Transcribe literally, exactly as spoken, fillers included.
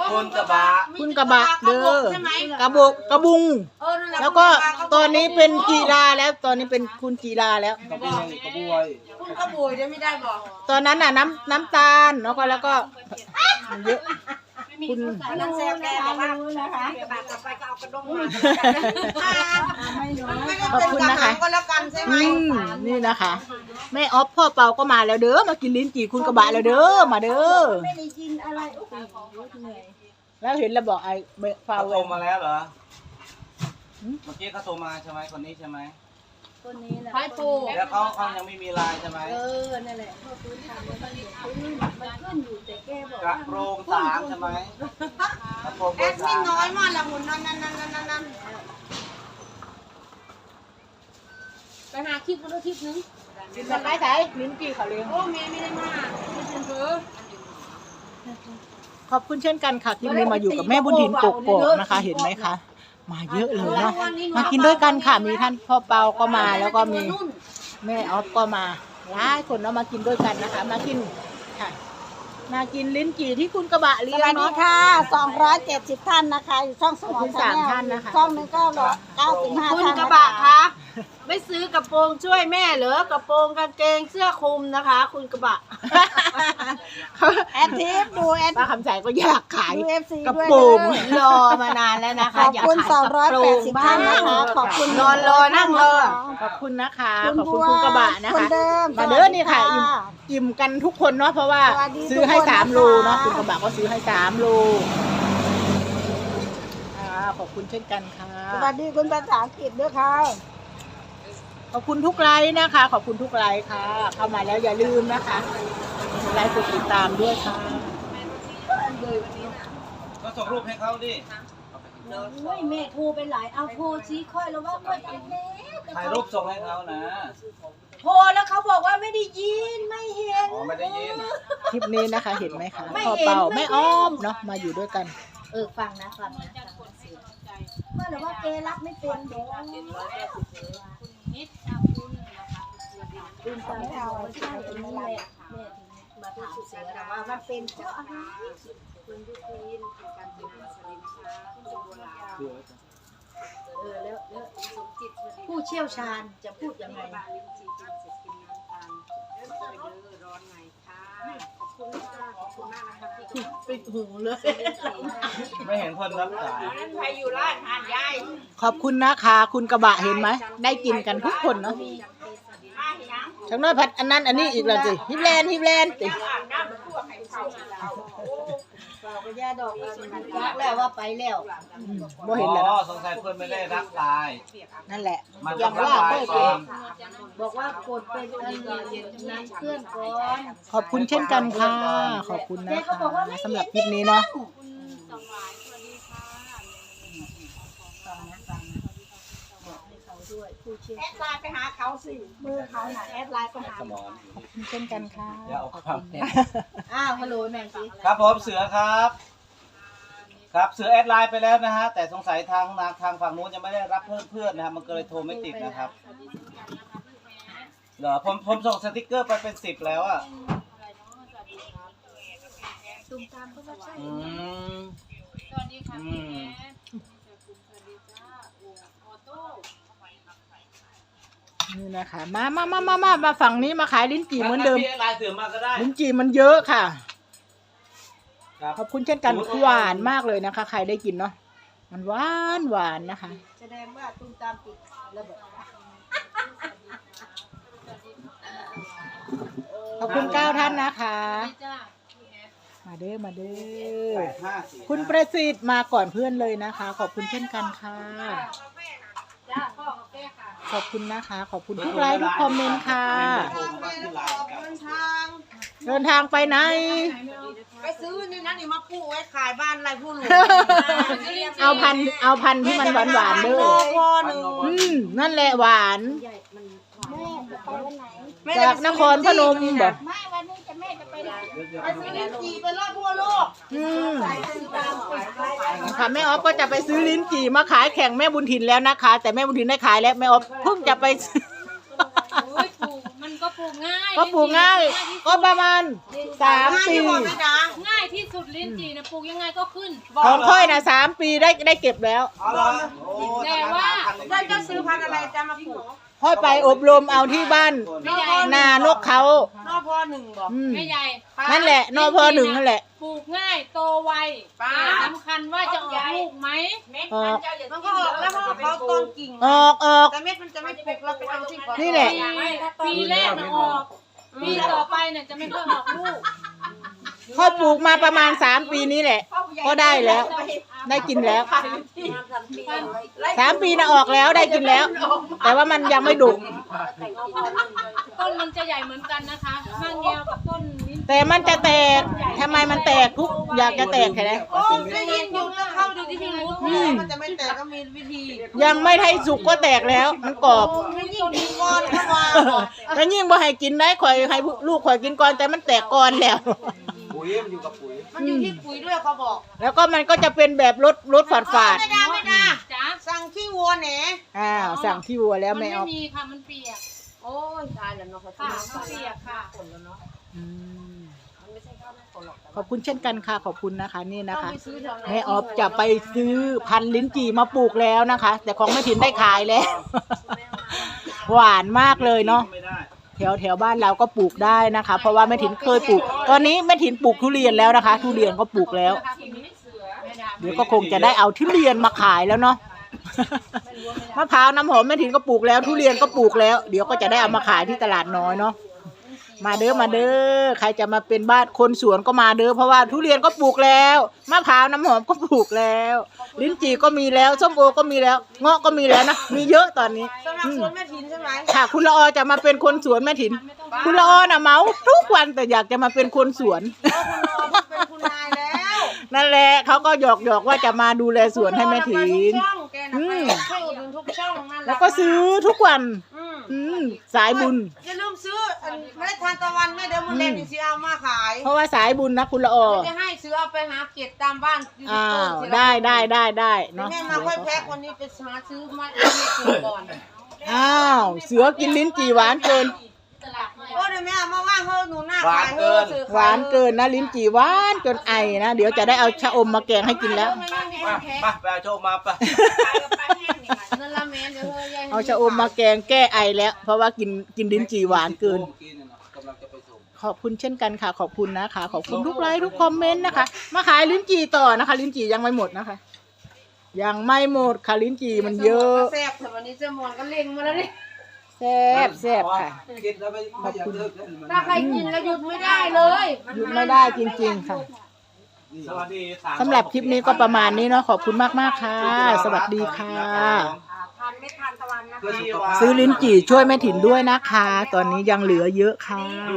คุณกระบะคุณกระบะเด้อกระบกกระบุงแล้วก็ตอนนี้เป็นกีฬาแล้วตอนนี้เป็นคุณกีฬาแล้วกระบวยกระบวยคุณกระบุยได้ไม่ได้บอกตอนนั้นน่ะน้ำน้ำตาลแล้วก็แล้วก็เยอะคุณนั่นแซ่บแกบอกว่านะคะกระบะต่อไปก็เอากระด้งมาขอบคุณนะคะก็แล้วกันใช่ไหมอืมนี่นะคะแม่ออฟพ่อเปาก็มาแล้วเด้อมากินลิ้นจี่คุณกระบะแล้วเด้อมาเด้อไม่ได้กินอะไรโอ้โหเหนื่อยแล้วเห็นแล้วบอกไอ้เบฟาเขาเวโทรลมาแล้วเหรอเมื่อกี้เขาโทรมาใช่ไหมคนนี้ใช่ไหมตัวนี้แหละไฟปูแล้วเขาเขายังไม่มีไลน์ใช่ไหมเออนั่นแหละพอพื้นทำแล้วมันเดือดขึ้นมันขึ้นอยู่แต่แกบอกกระว่าโปรงสามใช่ไหมกระโปรงเบแออดร์มิสาน มน้อยมากละหุ่นนั่นนั่นนั่นนั่นนั่นไปหาคลิปกันด้วยคลิปนึงกินมันไม่ใช่ลิ้นจี่เขาเลี้ยงโอ้เมย์ไม่ได้มากไม่เป็นเบอร์ขอบคุณเช่นกันค่ะที่นี้มาอยู่กับแม่บุญถิ่นกกอกนะคะ เห็นไหมคะมาเยอะเลยเนาะมากินด้วยกันค่ะมีท่านพ่อเปาก็มาแล้วก็มีแม่ออฟก็มาหลายคนเนาะมากินด้วยกันนะคะ มากินค่ะ มากินลิ้นจี่ที่คุณกระบะเลี้สยงวัสดีเนาะค่ะสองร้อยเจ็ดสิบท่านนะคะอยู่ช่องสมขอบอคุงณชาสามแนลท่านนะคะช่องหนึงก็ร้อยเก้าสิบห้าคุณท่านกระบะคะไม่ซื้อกระโปรงช่วยแม่เหรอกระโปรงกางเกงเสื้อคลุมนะคะ คุณกระบะแอดทิปดูแอดป้าคำใจก็อยากขายดูเอฟซีกระด้วยโปรงเลยรอมานานแล้วนะขคะอบอยากคุณขายสองกร้อยระโปรแปดงสิบบ้าท่านงนะคะขอบคุณนอนรอนั่งรอขอบคุณนะคะคุณขอบคุณบัวคุณกระบะนะคคะนเดิมมาเด้อนี่ค่ะอิ่มอิ่มกันทุกคนเนาะเพราะว่าสวัสดีซื้อให้ทุกคนสามโลนะคะเนาะคุณกระบะก็ซื้อให้สามโลอ่าขอบคุณเช่นกันค่ะสวัสดีคุณภาษาอังกฤษด้วยค่ะขอบคุณทุกไลค์นะคะ ขอบคุณทุกไลค์ค่ะ เข้ามาแล้วอย่าลืมนะคะกดไลค์กดติดตามด้วยค่ะก็ส่งรูปให้เขาดิโอ้ยแม่โทรไปหลายเอาโทรชี้ค่อยแล้วว่าค่อยไปแล้วถ่ายรูปส่งให้เขานะโทรแล้วเขาบอกว่าไม่ได้ยินไม่เห็นอ๋อไม่ได้ยินคลิปนี้นะคะเห็นไหมคะไม่พ่อเห็นเป่าไม่แม่เห็นอ้อมเนาะมาอยู่ด้วยกันเออฟังนะฟังนะเมื่อแต่ว่าแกรับไม่เป็นเด้อคุณตาไม่เอาใช่ตรงนี้แหละแม่ถึงมาถามเสือนะว่ามันเป็นเพราะอะไรเออแล้วแล้วผู้เชี่ยวชาญจะพูดยังไงปิดหูเลยไม่เห็นคนรับสายใครอยู่ร้านทานยายขอบคุณนะคะ คุณกระบะเห็นไหมได้กินกันทุกคนเนาะทั้งน้อยพัดอันนั้นอันนี้อีกแล้วสิฮิปแลนด์ฮิปแลนด์สิเราก็ย่าดอกรักแล้วว่าไปแล้วอืมบ่เห็นแล้วอ๋อเนาะสงสัยเพื่อนไม่ได้รับไลน์นั่นแหละมันยัต้อง งรับว่าไลเพื่อน์เอก่อง นบอกว่ากดเป็นอันนั้นเพื่อนก่อนขอบคุณเช่นกันค่ะ ขอบคุณนะคะสำหรับคลิปนี้เนาะด้วยผู้เชี่ยวแอดไลน์ไปหาเขาสิมือเขาหนาแอดไลน์ก็หาสมองขอบคุณเช่นกันค่ะอย่าเอาความอ้าวฮัลโหลหน่อยสิครับผมเสือครับ ครับเสือแอดไลน์ไปแล้วนะฮะแต่สงสัยทางทางฝั่งนู้นยังไม่ได้รับเพื่อนเพื่อนนะครับมันก็เลยโทรไม่ติดนะครับเหรอผมผมส่งสติกเกอร์ไปเป็นสิบแล้วอ่ะตุ้มตามก็ว่าใช่อืมสวัสดีค่ะอืพี่มแอนนี่นะคะ มามามามามามาฝั่งนี้มาขายลิ้นจี่เหมือนเดิมพี่แอดไลน์เสือมาก็ได้ลิ้นจี่มันเยอะค่ะครับขอบคุณเช่นกันหวานมากเลยนะคะ ใครได้กินเนาะมันหวานหวานนะคะแสดงว่าตุ้มตามติดระเบิดขอบคุณเก้าท่านนะคะจ้ามาเด้อมาเด้แปอดห้าสี่คุณประสิทธิ์มาก่อนเพื่อนเลยนะคะ ขอบคุณเช่นกันค่ะจ้าพ่อกับแม่ค่ะขอบคุณนะคะ ขอบคุณทุกไลค์ทุกคอมเมนต์ค่ะโทรมาที่ไลน์กันเดินทางเดินทางไปไหนไปซื้อนี่นะนี่มาปลูกไว้ขายบ้านไรผู้หลวงเอาพันธุ์เอาพันธุ์ที่มันหวานหวานๆเด้อพอหนึ่งอืมนั่นแหละหวานใหญ่มันแม่จะไปวันไหนจากนครพนมบอกไม่วันนี้จะแม่จะไปไหนไปซื้อลิ้นจี่ไปรอบทั่วโลกอืมตุ้มตามไปไปไปค่ะแม่ออฟก็จะไปซื้อลิ้นจี่มาขายแข่งแม่บุญถิ่นแล้วนะคะ แต่แม่บุญถิ่นได้ขายแล้วแม่ออฟเพิ่งจะไปซื้อโอ้ยปลูกมันก็ปลูกง่ายก็ปลูกง่าย ก็ประมาณสามง่ายปีที่บอกไม่ดังง่ายที่ที่สุดลิ้นจี่นะปลูกยังไงก็ขึ้นของค่อยนะสามปีได้ได้เก็บแล้วเอาเหรอโอ้แต่ว่าจะจะซื้อพันธุ์อะไรจะมาปลูกค่อยไปอบรมเอาที่บ้านไม่ใหญ่นานกเขานอพอหนึ่งบอกอืมไม่ใหญ่นั่นแหละนพหนึ่งนั่นแหละปลูกง่ายโตไวป้าสำคัญว่าจะออกลูกไหมออกมันก็ออกแล้วเพราะว่าเขาต้นกิ่งออกออกแต่เม็ดมันจะไม่ปลูกเราไปเอาที่นี่แหละปีแรกนะออกปีต่อไปเนี่ยจะไม่ค่อยออกลูกค่อยปลูกมาประมาณสามปีนี้แหละ ก็ได้แล้ว ได้กินแล้วสามปีนะออกแล้วได้กินแล้ว แต่ว่ามันยังไม่ดุต้นมันจะใหญ่เหมือนกันนะคะข้างแงวกับต้นลิ้นแต่มันจะแตกทำไมมันแตกทุกอยากจะแตกแค่ไหนโอ้ได้ยินอยู่แล้วเข้าดูที่พี่รู้อืมมันจะไม่แตกก็มีวิธียังไม่ให้สุกก็แตกแล้ว มันกรอบมันยิ่งดีก่อนเข้ามาแล้วยิ่งบ่ให้กินได้ข่อยให้ลูกข่อยกินก่อนแต่มันแตกก่อนแล้วปุ๋ยมันอยู่กับปุ๋ยมันอยู่ที่ปุ๋ยด้วยเขาบอกแล้วก็มันก็จะเป็นแบบรสรสฝาดฝาดไม่ได้ไม่ได้จ้าสั่งขี้วัวแหนๆอ้าวสั่งที่วัวแล้วมันไม่ไม่เอามีค่ะมันเปียกโอ้ยตายแล้วเนาะเขาค่ะมันเปียกค่ะอืมขอบคุณเช่นกันค่ะขอบคุณนะคะนี่นะคะไปซื้อแถวไหนแม่ออฟจะไปซื้อพันธุ์ลิ้นจี่มาปลูกแล้วนะคะ แต่ของแม่ถิ่นได้ขายแล้ว หวานมากเลยเนาะไม่ได้แถวแถวบ้านเราก็ปลูกได้นะคะ เพราะว่าแม่ถิ่นเคยปลูก ตอนนี้แม่ถิ่นปลูกทุเรียนแล้วนะคะ ทุเรียนก็ปลูกแล้ว เดี๋ยวก็คงจะได้เอาทุเรียนมาขายแล้วเนาะ มะพร้าวน้ำหอมแม่ถิ่นก็ปลูกแล้ว ทุเรียนก็ปลูกแล้ว เดี๋ยวก็จะได้เอามาขายที่ตลาดน้อยเนาะ มาเด้อมาเด้อใครจะมาเป็นบ้านคนสวนก็มาเด้อเพราะว่าทุเรียนก็ปลูกแล้วมะพร้าวน้ำหอมก็ปลูกแล้ว ลิ้นจี่ก็มีแล้วส้มโอก็มีแล้วเงาะก็มีแล้วนะมีเยอะตอนนี้สำหรับอืมสวนแม่ถินใช่ไหมค่ะคุณละออจะมาเป็นคนสวนแม่ถิ่นคุณละออน่ะเมาทุกวันแต่อยากจะมาเป็นคนสวนเป็นคุณนายแล้วนั่นแหละเขาก็หยอกหยอกๆว่าจะมาดูแลสวนให้แม่ถิ่นช่องแกนะอืมไปช่วยอุดหนุนทุกช่องนั่นหะแล้วก็ซื้อทุกวันอืมอืมสายบุญอย่าลืมซื้ออันเมล็ดทานตะวันแม่เดี๋ยวมันเล่นอีกสิเอามาขายเพราะว่าสายบุญนะคุณละออจะให้ซื้อเอาไปหาเก็บตามบ้านยูทูอ้าบเบอวร์สิได้ได้ได้ได้เดี๋ยวเนาะแม่มาค่อยแพ็ควันนี้ไปหาซื้อมาให้แม่กินก่อนอ้าวเสือกินลิ้นจี่หวานเกินโอ้เดี๋ยวแม่เอามาว่างเฮ้หนูหน้าขายเฮ้ซื้อขยหวานเกินนะลิ้นจี่หวานจนไอนะเดี๋ยวจะได้เอาชะอมมาแกงให้กินแล้วไม่ไม่ไม่มาแพ็คมาไปเอาโชคมาไปนั่นละแม่เดี๋ยวเฮ้ยายเอาชะอมมาแกงแก้ไอแล้ว เพราะว่ากินกินลิ้นจี่หวานเกินมื่อกี้เนี่ยนะกำลังจะไปส่งขอบคุณเช่นกันค่ะ ขอบคุณนะคะ ขอบคุณทุกไลค์ทุกคอมเมนต์นะคะ มาขายลิ้นจี่ต่อนะคะ ลิ้นจี่ยังไม่หมดนะคะ ยังไม่หมดค่ะลิ้นจี่มันเยอะแซ่บแต่วันนี้เจะมอนก็เล็งมาแล้วนี่แซ่บแซ่บค่ะกินแล้วไม่ไม่อยากเลิกเลยมันถ้าใครกินแล้วหยุดไม่ได้เลยหยุดไม่ได้จริงๆค่ะสวัสดีสำหรับคลิปนี้ก็ประมาณนี้เนาะขอบคุณมากๆค่ะ สวัสดีค่ะทานไม่ทานตะวันนะคะซื้อลิ้นจี่ช่วยแม่ถิ่นด้วยนะคะ ตอนนี้ยังเหลือเยอะค่ะ